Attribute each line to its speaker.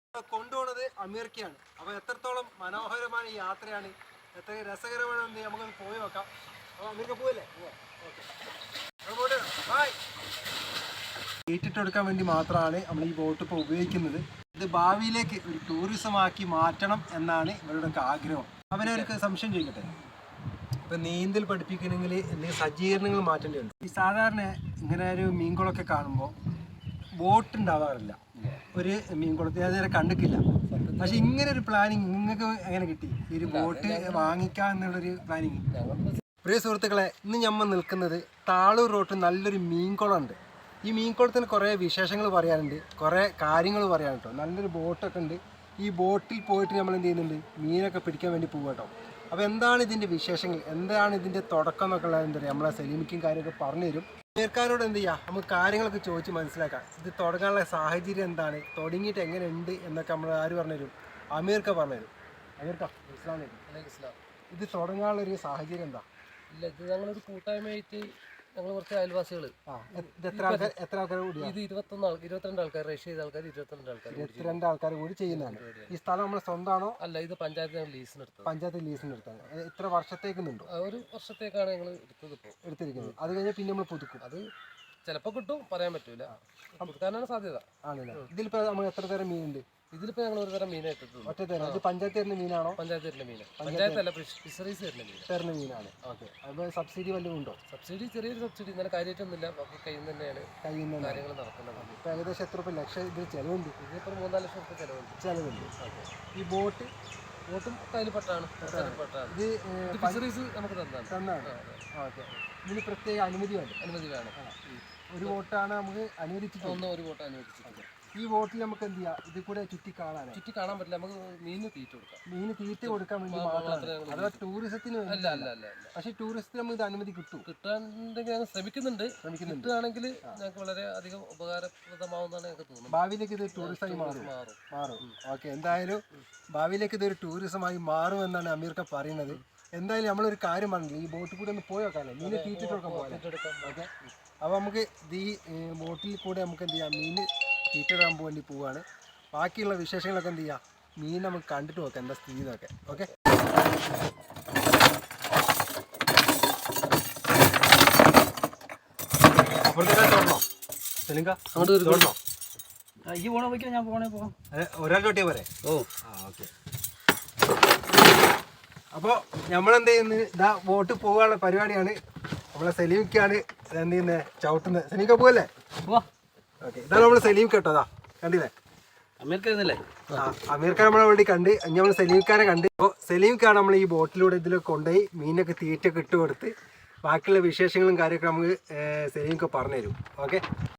Speaker 1: കൊണ്ടുപോകുന്നത് അമീർക്കയാണ്. അപ്പോൾ എത്രത്തോളം മനോഹരമായ യാത്രയാണ്, എത്ര രസകരമാണെന്ന് നമുക്കൊന്ന് പോയി നോക്കാം. അപ്പോൾ അമീർക്ക പോവല്ലേ? Okay, bye. ഏറ്റിട്ടെടുക്കാൻ വേണ്ടി മാത്രമാണ് നമ്മൾ ഈ ബോട്ട് ഇപ്പോൾ ഉപയോഗിക്കുന്നത്. ഇത് ഭാവിയിലേക്ക് ഒരു ടൂറിസം ആക്കി മാറ്റണം എന്നാണ് ഇവരുടെയൊക്കെ ആഗ്രഹം. അവരവർക്ക് സംശയം ചോദിക്കട്ടെ, ഇപ്പം നീന്തൽ പഠിപ്പിക്കണമെങ്കിൽ എന്തെങ്കിലും സജ്ജീകരണങ്ങൾ മാറ്റേണ്ടതുണ്ട്. ഈ സാധാരണ ഇങ്ങനെ ഒരു മീൻകുളമൊക്കെ കാണുമ്പോൾ ബോട്ട് ഉണ്ടാവാറില്ല. ഒരു മീൻകുളത്തിൽ അതുവരെ കണ്ടിട്ടില്ല. പക്ഷെ ഇങ്ങനെ ഒരു പ്ലാനിങ് നിങ്ങൾക്ക് എങ്ങനെ കിട്ടി? ഈ ഒരു ബോട്ട് വാങ്ങിക്കാം എന്നുള്ളൊരു പ്ലാനിങ്? പ്രിയ സുഹൃത്തുക്കളെ, ഇന്ന് നമ്മൾ നിൽക്കുന്നത് താളൂർ റോട്ടിൽ നല്ലൊരു മീൻകുളമുണ്ട്. ഈ മീൻകുളത്തിന് കുറേ വിശേഷങ്ങൾ പറയാനുണ്ട്, കുറേ കാര്യങ്ങൾ പറയാനുണ്ട് കേട്ടോ. നല്ലൊരു ബോട്ടൊക്കെ ഉണ്ട്. ഈ ബോട്ടിൽ പോയിട്ട് നമ്മൾ എന്ത് ചെയ്യുന്നുണ്ട്, മീനൊക്കെ പിടിക്കാൻ വേണ്ടി പോകും കേട്ടോ. അപ്പോൾ എന്താണ് ഇതിൻ്റെ വിശേഷങ്ങൾ, എന്താണ് ഇതിൻ്റെ തുടക്കം എന്നൊക്കെ ഉള്ളത് എന്താ പറയുക, നമ്മളെ സലീമിക്കും കാര്യമൊക്കെ പറഞ്ഞു തരും. അമീർക്കാരോട് എന്ത് ചെയ്യുക, നമുക്ക് കാര്യങ്ങളൊക്കെ ചോദിച്ച് മനസ്സിലാക്കാം. ഇത് തുടങ്ങാനുള്ള സാഹചര്യം എന്താണ്, തുടങ്ങിയിട്ട് എങ്ങനെ ഉണ്ട് എന്നൊക്കെ നമ്മൾ ആര് പറഞ്ഞു തരും? അമീർക്ക പറഞ്ഞു തരും. അമീർക്ക, ഇസ്ലാം. ഇത് തുടങ്ങാനുള്ളൊരു സാഹചര്യം എന്താ?
Speaker 2: ഇല്ല, ഇത് ഞങ്ങളൊരു കൂട്ടായ്മയായിട്ട് ഞങ്ങൾ കുറച്ച് അയൽവാസികൾ.
Speaker 1: എത്ര ആൾക്കാർ കൂടി?
Speaker 2: ഇത് 22 ആൾക്കാർ, രജിസ്റ്റർ ചെയ്ത ആൾക്കാർ
Speaker 1: 22 ആൾക്കാർ കൂടി ചെയ്യുന്നതാണ്. ഈ സ്ഥലം നമ്മുടെ സ്വന്തമാണോ?
Speaker 2: അല്ല, ഇത് പഞ്ചായത്ത് ലീസിനെടുത്തത്.
Speaker 1: പഞ്ചായത്ത് ലീസിനെടുത്താണ്. എത്ര വർഷത്തേക്കുന്നുണ്ടോ?
Speaker 2: ഒരു വർഷത്തേക്കാണ് ഞങ്ങൾ
Speaker 1: എടുത്തിരിക്കുന്നത്. അത് കഴിഞ്ഞാൽ പിന്നെ നമ്മൾ പുതുക്കും.
Speaker 2: അത് ചിലപ്പോൾ കിട്ടും, പറയാൻ പറ്റൂല. പുതുക്കാനാണ് സാധ്യത.
Speaker 1: ആണല്ലേ? ഇതിലിപ്പോൾ നമ്മൾ എത്ര തരം മീനുണ്ട്?
Speaker 2: ഇതിലിപ്പോൾ ഞങ്ങൾ ഒരു തരം മീൻ ഇട്ടിട്ടുള്ളൂ.
Speaker 1: ഒറ്റ തരം. ഇത് പഞ്ചായത്ത് തരുന്ന മീനാണോ?
Speaker 2: പഞ്ചായത്ത് തരുന്ന മീൻ. പഞ്ചായത്തല്ല, ഫിഷറീസ് തരുന്ന
Speaker 1: മീനാണ്. ഓക്കെ. അപ്പോൾ സബ്സിഡി വല്ലതും ഉണ്ടോ?
Speaker 2: സബ്സിഡി ചെറിയൊരു സബ്സിഡി, ഇന്നലെ കാര്യമായിട്ടൊന്നുമില്ല. കയ്യിൽ നിന്ന് തന്നെയാണ് കാര്യങ്ങൾ നടക്കുന്നത്.
Speaker 1: ഇപ്പോൾ ഏകദേശം എത്ര രൂപ ലക്ഷം ഇത് ചിലവുണ്ട്?
Speaker 2: ഇതിപ്പോൾ 3-4 ലക്ഷം രൂപ ചിലവുണ്ട്.
Speaker 1: ഓക്കെ. ഈ ബോട്ടും
Speaker 2: കയ്യിൽപ്പെട്ടാണ്. ഇത് ഫിഷറീസ് നമുക്ക് തന്നാണ്.
Speaker 1: ഓക്കെ. ഇതിന് പ്രത്യേക അനുമതി വേണം. ഒരു ബോട്ടാണ് നമുക്ക് അനുവദിച്ചിട്ടുണ്ട്.
Speaker 2: ഒരു ബോട്ട് അനുവദിച്ചിട്ടുണ്ട്.
Speaker 1: ഈ ബോട്ടിൽ നമുക്ക് എന്ത് ചെയ്യാം, ഇത് കൂടെ ചുറ്റി കാണാൻ
Speaker 2: പറ്റില്ല. നമുക്ക് മീന് തീറ്റ
Speaker 1: കൊടുക്കാൻ വേണ്ടി മാത്രമാണ്. അഥവാ ടൂറിസത്തിന് വേണ്ടി.
Speaker 2: അല്ല.
Speaker 1: പക്ഷേ ടൂറിസത്തിന് നമുക്ക് ഇത് അനുമതി കിട്ടാണ്ടെങ്കിൽ
Speaker 2: ഞങ്ങൾ ശ്രമിക്കുന്നുണ്ട്. കിട്ടുകയാണെങ്കിൽ ഞങ്ങൾക്ക് വളരെ അധികം ഉപകാരപ്രദമാവുന്നതാണ് ഞങ്ങൾക്ക് തോന്നുന്നത്.
Speaker 1: ഭാവിയിലേക്ക് ഇത് ടൂറിസമായി മാറും. ഓക്കെ, എന്തായാലും ഭാവിയിലേക്ക് ഇതൊരു ടൂറിസമായി മാറും എന്നാണ് അമീർക്ക പറയുന്നത്. എന്തായാലും നമ്മളൊരു കാര്യം പറഞ്ഞില്ല, ഈ ബോട്ടിൽ കൂടെ ഒന്ന് പോയി നോക്കാമല്ലോ, മീന് തീറ്റിട്ട് കൊടുക്കാൻ പോകാം. ഓക്കെ. അപ്പോൾ നമുക്ക് ഈ ബോട്ടിൽ കൂടെ നമുക്ക് എന്ത് ചെയ്യാം, മീൻ തീറ്റിടാൻ വേണ്ടി പോവുകയാണ്. ബാക്കിയുള്ള വിശേഷങ്ങളൊക്കെ എന്ത് ചെയ്യാം, മീൻ നമുക്ക് കണ്ടിട്ട് നോക്കാം എന്താ സ്ഥിതി എന്നൊക്കെ. ഓക്കെ. അപ്പുറത്തേക്ക് തുറന്നോ സെലിങ്ക? അങ്ങോട്ട് തുറന്നോ?
Speaker 2: ഈ പോണ പോയിക്കോ, ഞാൻ പോകാം.
Speaker 1: ഒരാൾ തൊട്ടിയാ പോരെ? ഓക്കെ. അപ്പോൾ നമ്മളെന്ത് ചെയ്യുന്നത്, ഇതാ ബോട്ട് പോകാനുള്ള പരിപാടിയാണ്. നമ്മളെ സലീമിക്കാണ് എന്ത് ചെയ്യുന്നത്, ചവിട്ടുന്നത്. സലീമിക്ക പോകല്ലേ? ഓക്കെ. ഇതാണ് നമ്മൾ സലീം കേട്ടോ. അതാ കണ്ടില്ലേ, അമീർക്ക നമ്മളെ വേണ്ടി കണ്ട്. നമ്മൾ സലീംക്കാരെ കണ്ട്. അപ്പോൾ സലീംക്കാണ് നമ്മൾ ഈ ബോട്ടിലൂടെ ഇതിലൊക്കെ കൊണ്ടുപോയി മീനൊക്കെ തീറ്റൊക്കെ ഇട്ട് കൊടുത്ത് ബാക്കിയുള്ള വിശേഷങ്ങളും കാര്യമൊക്കെ നമുക്ക് സലീമൊക്കെ പറഞ്ഞു തരും. ഓക്കെ.